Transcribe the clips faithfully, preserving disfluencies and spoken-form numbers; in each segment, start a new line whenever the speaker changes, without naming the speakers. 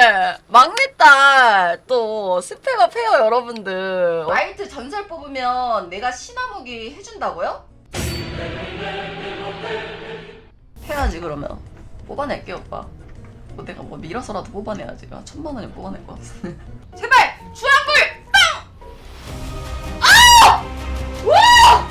막내딸 또 스펙업 해요 여러분들. 라이트 전설 뽑으면 내가 신화무기 해준다고요? 해야지 그러면. 뽑아낼게 오빠. 뭐 내가 뭐 밀어서라도 뽑아내야지. 아, 천만 원이 뽑아낼 것 같은데. 제발 주황불 땅! 아! 와!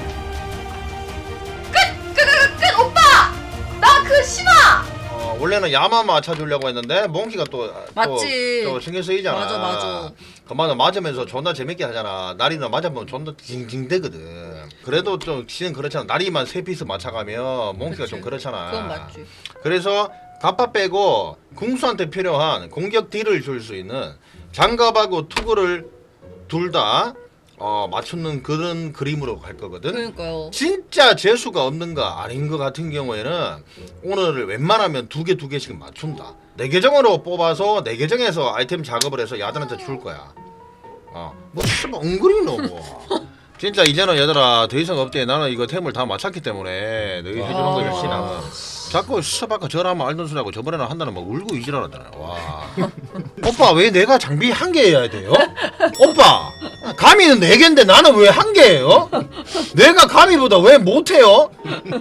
끝! 끝! 끝! 끝! 오빠! 나 그 신화!
어, 원래는 야마 맞춰주려고 했는데 몽키가 또,
맞지.
또, 또 신경 쓰이잖아.
맞아, 맞아.
그만은 맞으면서 존나 재밌게 하잖아. 나리는 맞으면 존나 징징대거든. 그래도 좀 시는 그렇잖아. 나리만 세 피스 맞춰가면 몽키가
그치.
좀 그렇잖아.
그건 맞지.
그래서 갑바 빼고 궁수한테 필요한 공격 딜을 줄 수 있는 장갑하고 투구를 둘 다 어, 맞추는 그런 그림으로 갈 거거든.
그러니까요.
진짜 재수가 없는 거 아닌 거 같은 경우에는 오늘을 웬만하면 두 개 두 개씩 맞춘다. 내 계정으로 뽑아서 내 계정에서 아이템 작업을 해서 야들한테 줄 거야. 어, 뭐 씨발 엉거리 너 뭐. 진짜 이제는 얘들아 더 이상 없대. 나는 이거 템을 다 맞췄기 때문에 너희 해주는 거 열심히 하면 자꾸 스바카 저라면 알던 소리하고 저번에는 한다는 막 울고 이지랄하잖아. 와. 오빠 왜 내가 장비 한 개 해야 돼요? 오빠 가미는 네 개인데 나는 왜 한 개예요? 내가 가미보다 왜 못해요?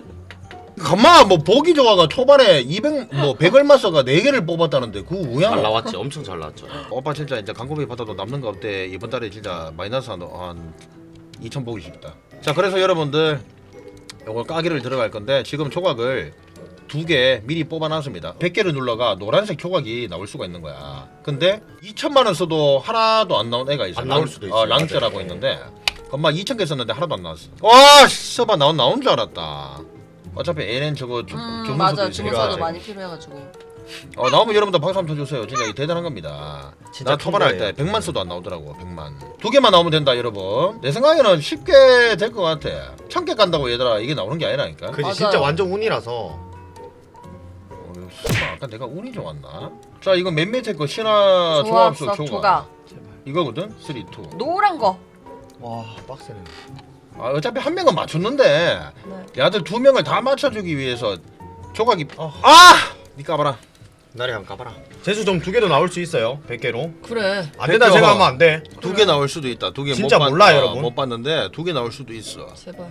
가마 뭐 보기 좋아가 초반에 이백 뭐 백 얼마 써가 네 개를 뽑았다는데 그 우양.
잘 나왔지. 엄청 잘 나왔죠.
오빠 진짜 이제 광고비 받아도 남는 거 없대. 이번 달에 진짜 마이너스 한, 한 이천 보기 싶다. 자 그래서 여러분들 요걸 까기를 들어갈 건데 지금 조각을 두 개 미리 뽑아놨습니다. 백 개를 눌러가 노란색 조각이 나올 수가 있는 거야. 근데 이천만 원 써도 하나도 안 나온 애가 있어.
안 나올 수도 있어요.
어, 랑자라고 있는데 엄마 이천 개 썼는데 하나도 안 나왔어. 와 써봐 나온 나온 줄 알았다. 어차피 에이엔 저거 주,
음
주문서도
맞아.
있으니까.
주문서도 많이 필요해가지고.
어 나오면 여러분들 박수 한번 쳐주세요. 진짜 대단한 겁니다.
진짜
나 초반에 할
큰 거예요.
때 백만 써도 안 나오더라고. 백만 두 개만 나오면 된다 여러분. 내 생각에는 쉽게 될 것 같아. 천 개 간다고 얘들아 이게 나오는 게 아니라니까.
그지
맞아요.
진짜 완전 운이라서.
어, 설마 아까 내가 운이 좋았나? 자 이거 맨 밑에 거 신화 조합수
조합석
조각
조각.
이거거든. 삼, 이.
노란 거.
와 빡세네.
아 어차피 한 명은 맞췄는데
네.
야들 두 명을 다 맞춰주기 위해서 조각이
어.
아! 니 까봐라.
나리 한번 가봐라. 재수점 두 개도 나올 수 있어요. 백 개로.
그래.
안 된다
백 개가
제가 하면 안 돼.
두 개 나올 수도 있다. 두 개
진짜
못 봤-
몰라요,
어,
여러분.
못 봤는데 두 개 나올 수도 있어.
제발.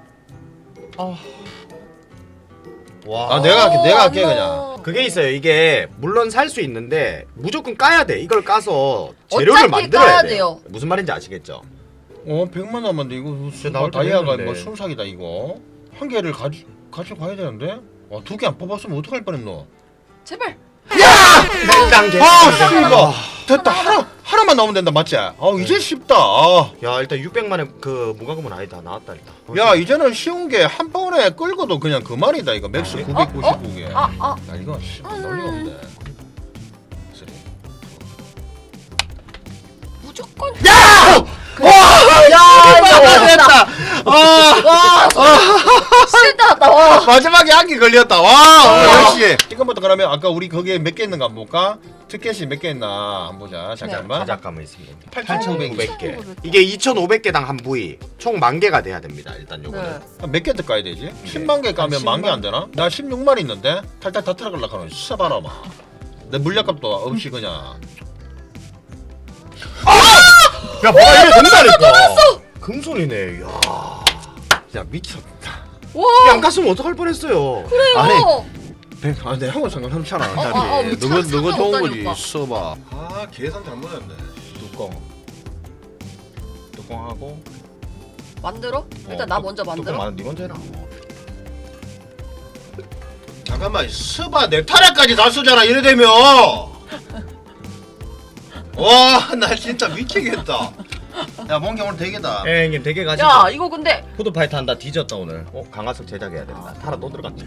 와.
아 내가 할게
오,
내가 할게
안
그냥.
나와.
그게 있어요. 이게 물론 살 수 있는데 무조건 까야 돼. 이걸 까서 재료를
어차피
만들어야
까야
돼요.
돼요.
무슨 말인지 아시겠죠?
어 백만 남았는데 이거
진짜 나올 때
다이아가
됐는데.
뭐 순삭이다 이거. 한 개를 가지 가지고 가야 되는데. 와 두 개 안 뽑았으면 어떡할 뻔했노.
제발.
냉장 재수.
아 씨발 됐다. 하나 하나만 나오면 된다 맞지? 아 이제 쉽다. 아.
야 일단 육백만의 그 무과금은 아니다. 나왔다 일단.
야 이제는 쉬운 게 한 번에 끌고도 그냥 그만이다 이거 맥스
아,
구백구십구 개.
아 아.
야 이거 씨 논리가 없네. 쓰리.
무조건.
야! 와! 야! 이거 됐다. 아!
와. 실다 났다. 와.
마지막에 한 개 걸렸다. 와! 역시. 지금부터 그러면 아까 우리 거기에 몇 개 있는가 한번 볼까? 티켓이 몇 개 있나 한번 보자. 잠깐만.
자작감은 있습니다.
팔천오백 개.
개. 이게 이천오백 개당 한 부위 총 만 개가 돼야 됩니다. 일단 요거는.
네.
몇 개 까야 되지? 십만 개 까면 만 개 안 되나? 나 십육만 있는데 탈탈 다 들어갈라 하는 씨발아마. 내 물약값도 없이 그냥.
야 뭐가 이게 된다니까. 금손이네. 야.
야 미쳤다.
와.
이게 안 갔으면 어떡할 뻔했어요.
그래요.
아니, 백, 아, 내 한국 상관없잖아.
어, 어, 어, 뭐
누가
참
누가 좋은
상관없다니,
거지?
오빠.
써봐. 아 계산 잘못했네.
뚜껑. 뚜껑하고.
만들어? 일단
어,
나
뚜-
먼저
뚜껑
만들어.
만- 네 먼저 해라.
잠깐만 스바 넥타이까지 다 쓰잖아 이래 되면. 와 나 진짜 미치겠다. 야 몽기 오늘 되겠다.
예, 형님 되게 가시죠.
야 이거 근데
푸드파이트 한다 뒤졌다 오늘. 어 강화석 제작해야 된다. 타라 또 들어갔지.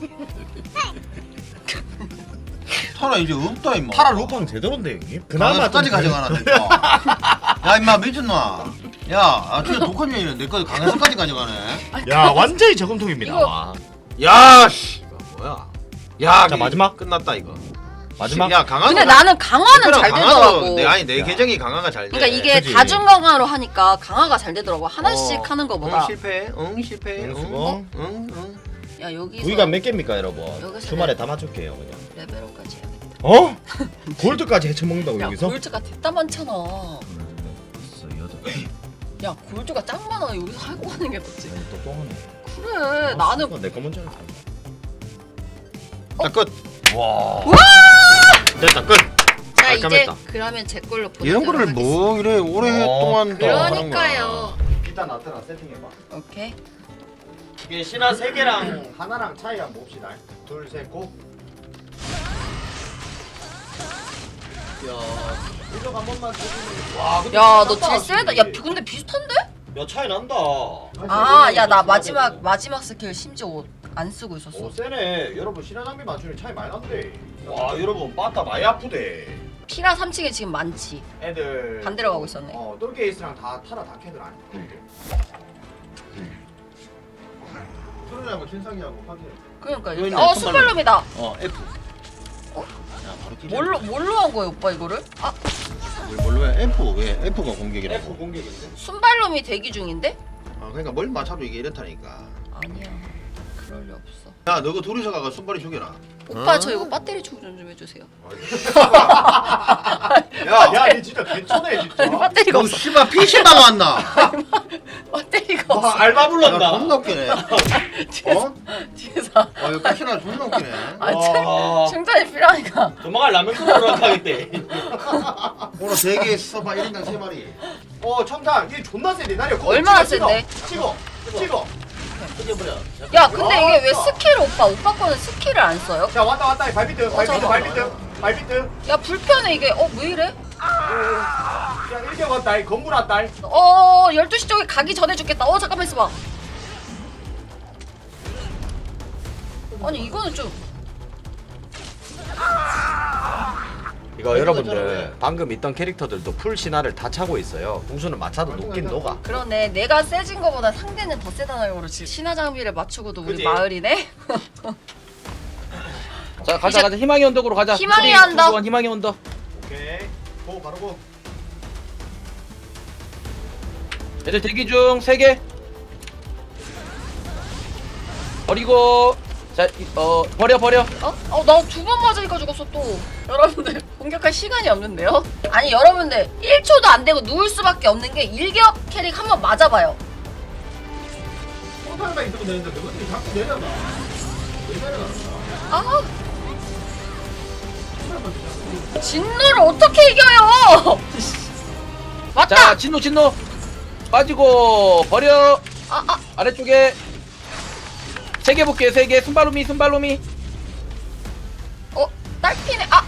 타라 이제 없다 임마.
타라 루팡 제대로인데 형님. 그나마
강화까지
좀-
가져가나 내거. 야 임마 미쳤나? 야 아, 진짜 독한 년이네. 내거 강화까지 가져가네.
야 완전히 저금통입니다.
이거-
와.
야 씨. 이거 뭐야? 야
자,
이-
마지막.
끝났다 이거.
마지막.
야 강화.
근데 나는 강화는 잘 되더라고.
내 아니 내
야.
계정이 강화가 잘 돼.
그러니까 이게
그치.
다중 강화로 하니까 강화가 잘 되더라고. 하나씩
어.
하는 거보다.
응 실패. 응 실패.
응,
응
수고.
응 응.
야 여기서
부위가 몇 개입니까 여러분?
여기서
주말에 다 맞출게요 그냥.
레벨업까지 해야겠다.
어? 골드까지 헤쳐먹는다고
야
여기서?
골드가 됐다 많잖아.
있어 여덟.
야 골드가 짱 많아. 여기서 하고 가는 게 낫지.
또 똥하네.
그래 나는
내거 먼저 할게.
자 끝.
와.
됐다 끝.
자 이제
깔끔했다.
그러면 제 걸로 보내도록
이런 거를
하겠습니다.
뭐 이래 오랫동안 또 하는 거야.
그러니까요.
일단 나트랑 세팅해봐.
오케이.
이게 신화 세 개랑 하나랑 차이 한번 봅시다. 둘, 셋, 고. 야, 이거 한 번만 주면. 와, 근데
야 너
쩐다,
딜 세다.
확실히.
야 근데 비슷한데?
야 차이 난다.
아 야 나 마지막 마지막 스킬 심지어 옷 안 쓰고 있었어.
오 세네. 여러분 신화 장비 맞추는 차이 많이 난대. 와, 여러분 빠따 많이 아프대.
피라 삼 층에 지금 많지.
애들
반대로 가고 있었네.
어, 똘게이스랑 다 타라 다 캐들 아니.
소리하고 신상이하고 파티.
그러니까
여기
여기
있네,
어
손발로.
순발놈이다.
어 F.
어?
야 바로 끼.
뭘로 뭘로 한 거야 오빠 이거를? 아
뭘로 해? F 왜 F가
F
공격이라고?
공격인데.
순발놈이 대기 중인데?
아 그러니까 뭘 맞춰도 이게 이렇다니까.
아니야. 그럴 리 없어.
야 너가 둘이서 가가 손발이 죽여라.
오빠
어?
저 이거 배터리 충전 좀 해주세요.
야, 야, 니 진짜 개쩌네 진짜.
배터리가
너
없어.
씨발 피씨방 왔나?
배터리가 없어.
와, 알바
야
불렀다.
존나 웃기네. 어?
뒤에서
아 이거 가시나 존나 웃기네.
아
와.
충- 충전이 필요하니까.
조만간 라면 끓으러 가겠대.
오늘 세개 써봐 일 인당 세 마리.
어, 청탄, 얘 존나 세네. 나려.
얼마나 센데?
찍어, 찍어.
뜯어버려.
야 근데
와,
이게 왜
왔다.
스킬 오빠 오빠 거는 스킬을 안 써요?
자, 왔다 왔다. 발비트, 발비트,
잠깐만.
발비트, 발비트.
야 불편해 이게. 어 왜 이래?
야, 일격 왔다. 이 건물 왔다. 이.
어 열두 시 쪽에 가기 전에 죽겠다. 어 잠깐만 있어봐. 아니 이거는 좀
이거
왜
여러분들
그러잖아.
방금 있던 캐릭터들도 풀 신화를 다 차고 있어요. 궁수는 맞춰도 녹긴 녹아.
그러네. 내가 세진 거보다 상대는 더 세다는 거로 지금 신화 장비를 맞추고도 우리
그지?
마을이네.
자 가자
이제
가자 희망의 언덕으로 가자.
희망의
쓰리,
언덕.
투, 원, 희망의 언덕.
오케이. 고 바로 고.
애들 대기 중 세 개. 버리고 자어 버려 버려.
어? 어, 나 두 번 맞으니까 죽었어 또. 여러분들 공격할 시간이 없는데요? 아니 여러분들 일 초도 안 되고 누울 수밖에 없는 게 일격 캐릭 한 번 맞아봐요.
포탈만 있으면 되는데 그것들이 자꾸 내려가. 왜 내려가?
아. 진노를 어떻게 이겨요? 맞다.
자 진노 진노 빠지고 버려.
아, 아.
아래쪽에 세 개 볼게요. 세 개. 순발로미 순발로미.
어, 딸피네. 아.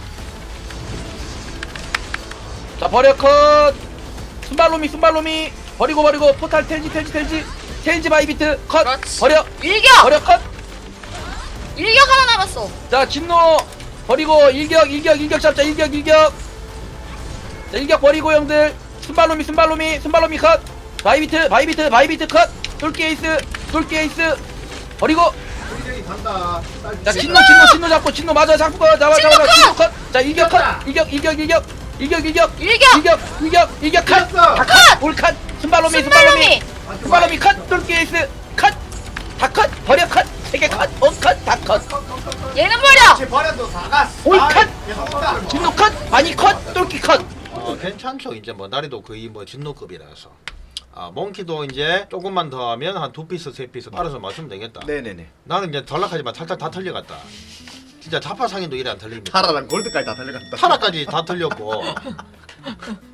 자 버려 컷. 순발로미 순발로미 버리고 버리고 포탈 텔지 텔지 텔지 텔지 바이비트 컷.
그렇지.
버려
일격.
버려 컷.
일격 하나 남았어.
자 진노 버리고 일격 일격 일격 잡자 일격 일격. 자 일격 버리고 형들 순발로미 순발로미 순발로미 컷. 바이비트 바이비트 바이비트 컷. 돌게이스 돌게이스 버리고.
우리들이 간다.
자 진노 진노 진노 잡고 진노 맞아 잡고 거 잡아
진노
잡아
컷!
진노 컷. 자 일격 컷 일격 일격 일격 일격 일격
일격.
일격 일격 일격 컷.
됐어.
다 컷. 올 컷. 순발로미 순발로미
순발놈이.
순발로미 컷. 돌게이스 컷. 다 컷. 버려 컷. 세개 컷. 오컷다 컷.
얘는 버려.
제 버려도 사가.
올 컷.
계속
진노 컷. 바니 컷. 돌기 컷.
어 괜찮죠. 이제 뭐 나리도 거의 뭐 진노급이라서. 아 몽키도 이제 조금만 더 하면 한 두 피스 세 피스 알아서 맞추면 되겠다.
네네네.
나는 이제 덜락하지만 살짝 다 틀려갔다. 진짜 자파 상인도 이래 안 틀립니다.
타라랑 골드까지 다 달려갔다.
타라까지 다 틀렸고